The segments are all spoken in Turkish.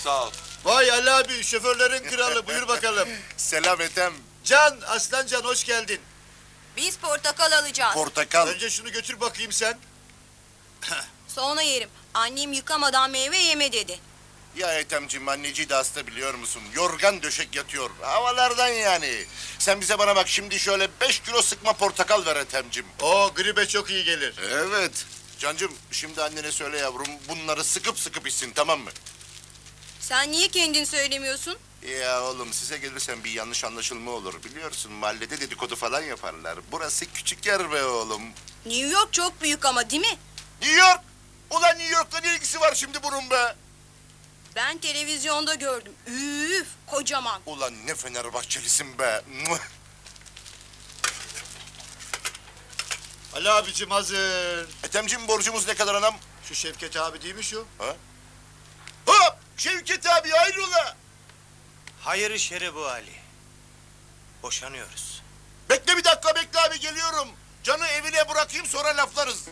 sağ ol. Vay Ali abi, şoförlerin kralı. Buyur bakalım. Selam Ethem. Can, Aslancan hoş geldin. Biz portakal alacağız. Portakal. Önce şunu götür bakayım sen. Sonra yerim. Annem yıkamadan meyve yeme dedi. Ya Ethemciğim, anneciği de hasta biliyor musun? Yorgan döşek yatıyor. Havalardan yani. Sen bize bana bak şimdi, şöyle 5 kilo sıkma portakal ver Ethemciğim. O gribe çok iyi gelir. Evet. Cancığım, şimdi annene söyle yavrum, bunları sıkıp sıkıp içsin, tamam mı? Sen niye kendin söylemiyorsun? Ya oğlum, size gelirsen bir yanlış anlaşılma olur. Biliyorsun, mahallede dedikodu falan yaparlar. Burası küçük yer be oğlum. New York çok büyük ama değil mi? New York! Ulan New York'la ne ilgisi var şimdi bunun be? Ben televizyonda gördüm. Üf, kocaman. Ulan ne Fenerbahçelisin be! Muah! Ali abicim hazır. Ethemciğim, borcumuz ne kadar anam? Şu Şevket abi değil mi şu? Ha? Hop! Şevket abi, hayrola? Hayır işleri bu Ali. Boşanıyoruz. Bekle bir dakika, bekle abi, geliyorum. Can'ı evine bırakayım, sonra laflarız.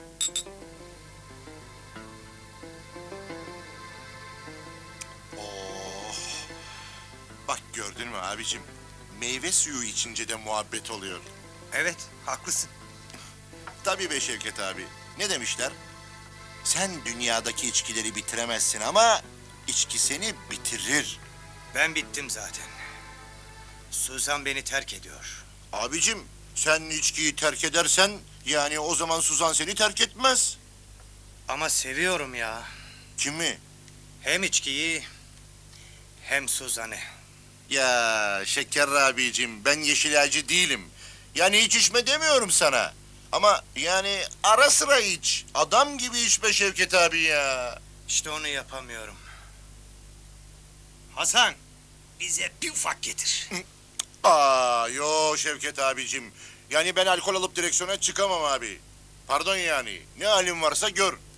Oh! Bak gördün mü abicim? Meyve suyu içince de muhabbet oluyor. Evet, haklısın. Tabii be Şevket abi. Ne demişler? Sen dünyadaki içkileri bitiremezsin ama içki seni bitirir. Ben bittim zaten. Suzan beni terk ediyor. Abicim, sen içkiyi terk edersen yani o zaman Suzan seni terk etmez. Ama seviyorum ya. Kimi? Hem içkiyi hem Suzan'ı. Ya Şeker abicim, ben yeşilaycı değilim. Yani hiç içme demiyorum sana. Ama yani ara sıra iç. Adam gibi iç be Şevket abi ya. İşte onu yapamıyorum. Hasan, bize bir ufak getir. Yo Şevket abicim. Yani ben alkol alıp direksiyona çıkamam abi. Pardon yani. Ne halin varsa gör.